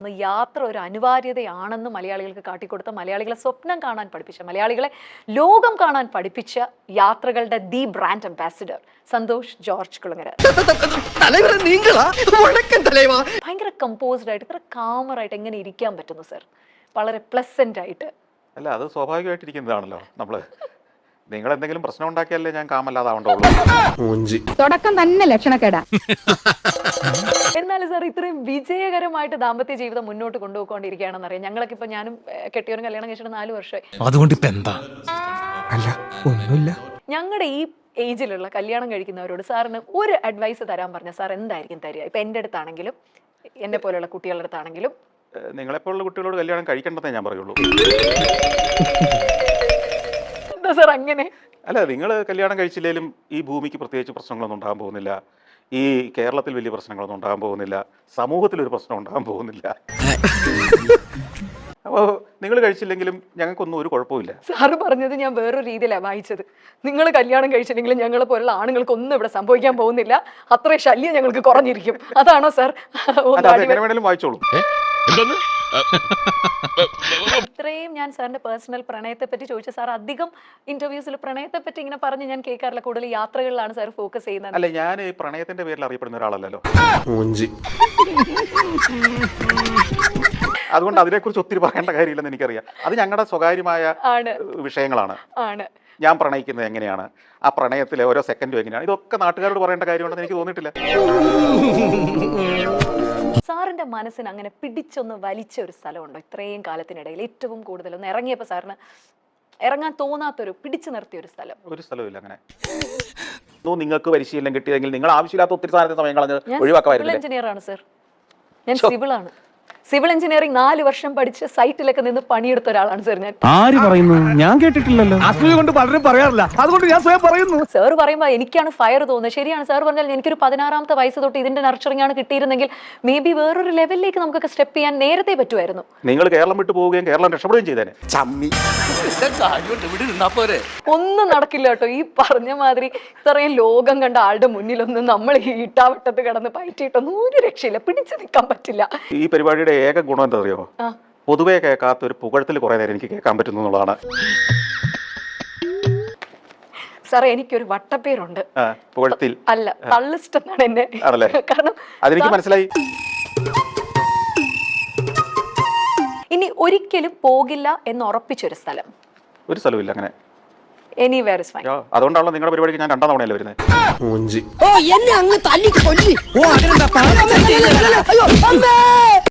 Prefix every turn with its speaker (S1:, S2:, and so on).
S1: യാത്ര ഒരു അനിവാര്യതയാണെന്ന് മലയാളികൾക്ക് കാട്ടിക്കൊടുത്ത, മലയാളികളെ സ്വപ്നം കാണാൻ പഠിപ്പിച്ച, മലയാളികളെ ലോകം കാണാൻ പഠിപ്പിച്ച യാത്രകളുടെ the brand ambassador Santosh George Kulangara. ഭയങ്കര കമ്പോസ്ഡ് ആയിട്ട്, ഇത്ര കാമറായിട്ട് എങ്ങനെ ഇരിക്കാൻ പറ്റുന്നു സർ? വളരെ പ്ലസന്റ് ആയിട്ട്.
S2: അല്ല, അത് സ്വാഭാവികമായിട്ടിരിക്കുന്നതാണല്ലോ. നിങ്ങൾ എന്തെങ്കിലും പ്രശ്നം ഉണ്ടാക്കിയാലേ ഞാൻ കാമല്ലാതാവണ്ടുള്ളൂ.
S3: തുടക്കം തന്നെ ലക്ഷണക്കേടാ.
S1: എന്നാലും സാർ ഇത്രയും വിജയകരമായിട്ട് ദാമ്പത്യ ജീവിതം മുന്നോട്ട് കൊണ്ടുപോയിക്കൊണ്ടിരിക്കുകയാണെന്ന് അറിയാം. ഞങ്ങളൊക്കെ ഇപ്പൊ ഞാനും കെട്ടിയവരും കല്യാണം കഴിച്ചിട്ട് 4 വർഷമായി.
S4: അതുകൊണ്ട് ഇപ്പൊ എന്താ? അല്ല, ഒന്നുമില്ല.
S1: ഞങ്ങളുടെ ഈ ഏജിലുള്ള കല്യാണം കഴിക്കുന്നവരോട് സാറിന് ഒരു അഡ്വൈസ് തരാൻ പറഞ്ഞ സാർ എന്തായിരിക്കും തരിക? ഇപ്പൊ എൻ്റെ അടുത്താണെങ്കിലും എന്നെ പോലെയുള്ള കുട്ടികളുടെ അടുത്താണെങ്കിലും.
S2: നിങ്ങളെപ്പോലുള്ള കുട്ടികളോട് കല്യാണം കഴിക്കേണ്ടതേ ഞാൻ പറയുള്ളൂ.
S1: എന്താ സാർ അങ്ങനെ?
S2: അല്ല, നിങ്ങൾ കല്യാണം കഴിച്ചില്ലെങ്കിലും ഈ ഭൂമിക്ക് പ്രത്യേകിച്ച് പ്രശ്നങ്ങളൊന്നും ഉണ്ടാകാൻ പോകുന്നില്ല. ഈ കേരളത്തിൽ വലിയ പ്രശ്നങ്ങളൊന്നും ഉണ്ടാകാൻ പോകുന്നില്ല. സമൂഹത്തിലൊരു പ്രശ്നം ഉണ്ടാകാൻ പോകുന്നില്ല. അപ്പോൾ നിങ്ങൾ കഴിച്ചില്ലെങ്കിലും ഞങ്ങൾക്കൊന്നും ഒരു കുഴപ്പമില്ല.
S1: സാറ് പറഞ്ഞത് ഞാൻ വേറൊരു രീതിയിലാണ് വായിച്ചത്. നിങ്ങൾ കല്യാണം കഴിച്ചില്ലെങ്കിലും ഞങ്ങളെ പോലുള്ള ആണുങ്ങൾക്കൊന്നും ഇവിടെ സംഭവിക്കാൻ പോകുന്നില്ല, അത്രയും ശല്യം ഞങ്ങൾക്ക് കുറഞ്ഞിരിക്കും. അതാണോ സാർ?
S2: എങ്ങനെ വേണേലും വായിച്ചോളൂ.
S1: ഇത്രയും ഞാൻ സാറിന്റെ പേഴ്സണൽ പ്രണയത്തെ പറ്റി ചോദിച്ച സാർ അധികം ഇന്റർവ്യൂസിൽ പ്രണയത്തെ പറ്റി ഇങ്ങനെ പറഞ്ഞ് ഞാൻ കേൾക്കാറില്ല. കൂടുതൽ യാത്രകളിലാണ് സാർ ഫോക്കസ് ചെയ്യുന്നത്.
S2: അല്ല, ഞാൻ ഈ പ്രണയത്തിന്റെ പേരിൽ അറിയപ്പെടുന്ന ഒരാളല്ലല്ലോ. അതുകൊണ്ട് അതിനെക്കുറിച്ച് ഒത്തിരി പറയേണ്ട കാര്യമില്ലെന്ന് എനിക്കറിയാം. അത് ഞങ്ങളുടെ സ്വകാര്യമായ വിഷയങ്ങളാണ്. ഞാൻ പ്രണയിക്കുന്നത് എങ്ങനെയാണ്, ആ പ്രണയത്തിലെ ഓരോ സെക്കൻഡും എങ്ങനെയാണ്, ഇതൊക്കെ നാട്ടുകാരോട് പറയേണ്ട കാര്യമുണ്ടെന്ന് എനിക്ക് തോന്നിയിട്ടില്ല.
S1: സാറിന്റെ മനസ്സിന് അങ്ങനെ പിടിച്ചൊന്ന് വലിച്ച ഒരു സ്ഥലമുണ്ടോ ഇത്രയും കാലത്തിനിടയിൽ? ഏറ്റവും കൂടുതൽ ഒന്ന് ഇറങ്ങിയപ്പോൾ സാറിന് ഇറങ്ങാൻ തോന്നാത്തൊരു, പിടിച്ചു നിർത്തിയ ഒരു സ്ഥലം?
S2: ഒരു സ്ഥലമില്ല അങ്ങനെ. നിങ്ങൾക്ക് പരിശീലനം കിട്ടിയതെങ്കിൽ നിങ്ങൾ ആവശ്യമില്ലാത്ത ഒത്തിരി സമയം കളഞ്ഞ് ഒഴിവാക്കാമായിരുന്നു.
S1: എഞ്ചിനീയർ ആണ് സർ, ഞാൻ സിവിൾ ആണ്. സിവിൽ എഞ്ചിനീയറിംഗ് 4 വർഷം പഠിച്ച് സൈറ്റിലൊക്കെ നിന്ന് പണിയെടുത്ത ഒരാളാണ് സർ ഞാൻ.
S4: ആര് പറയുന്നു? ഞാൻ കേട്ടിട്ടില്ലല്ലോ. അസൂയ കൊണ്ട് പലരും പറയാറില്ല, അതുകൊണ്ട് ഞാൻ സ്വയം പറയുന്നു.
S1: സാർ പറയുമ്പോൾ എനിക്കാണ് ഫയർ തോന്നുന്നത്. ശരിയാണ് സാർ പറഞ്ഞാൽ, എനിക്കൊരു 16ാമത്തെ വയസ്സ് തൊട്ട് ഇതിന്റെ നർച്ചറിംഗ് ആണ് കിട്ടിയിരുന്നെങ്കിൽ മേ ബി വേറൊരു ലെവലിലേക്ക് നമുക്കൊക്കെ സ്റ്റെപ്പ് ചെയ്യാൻ നേരത്തെ പറ്റുമായിരുന്നു.
S2: നിങ്ങൾ കേരളം വിട്ടു പോവുകയും കേരളം രക്ഷപ്പെടുകയും ചെയ്തേനെ.
S1: ഒന്നും നടക്കില്ല കേട്ടോ. ഈ പറഞ്ഞ മാതിരി ഇത്രയും ലോകം കണ്ട ആളുടെ മുന്നിലൊന്നും നമ്മൾ ഈ ഇട്ടാവട്ടത്ത് കിടന്ന് പയറ്റിയിട്ടൊന്നും ഒരു രക്ഷയില്ല, പിടിച്ചു നിൽക്കാൻ പറ്റില്ല.
S2: ഈ പരിപാടിയുടെ ഏക ഗുണം എന്താ അറിയോ? പൊതുവെ കേൾക്കാത്ത ഒരു പുകഴത്തിൽ കുറെ നേരം എനിക്ക് കേൾക്കാൻ പറ്റുന്നു എന്നുള്ളതാണ്.
S1: സാറേ, എനിക്കൊരു വട്ടപ്പേരുണ്ട്.
S2: പുകഴത്തിൽ
S1: അല്ല, തള്ളിസ്റ്റ് എന്നാണ് എന്നെ.
S2: കാരണം അതെനിക്ക് മനസ്സിലായി.
S1: ഇനി ഒരിക്കലും പോകില്ല എന്ന് ഉറപ്പിച്ചൊരു സ്ഥലം?
S2: ഒരു സ്ഥലമില്ല അങ്ങനെ.
S1: Anywhere is fine.
S2: അതുകൊണ്ടാണല്ലോ നിങ്ങളുടെ പരിപാടിക്ക് ഞാൻ 2ാം തവണയല്ലേ വരുന്നത്.
S3: ഓ, എന്നെ അങ്ങ് തല്ലിക്ക് കൊല്ലി. ഓ, അതിനെന്താ?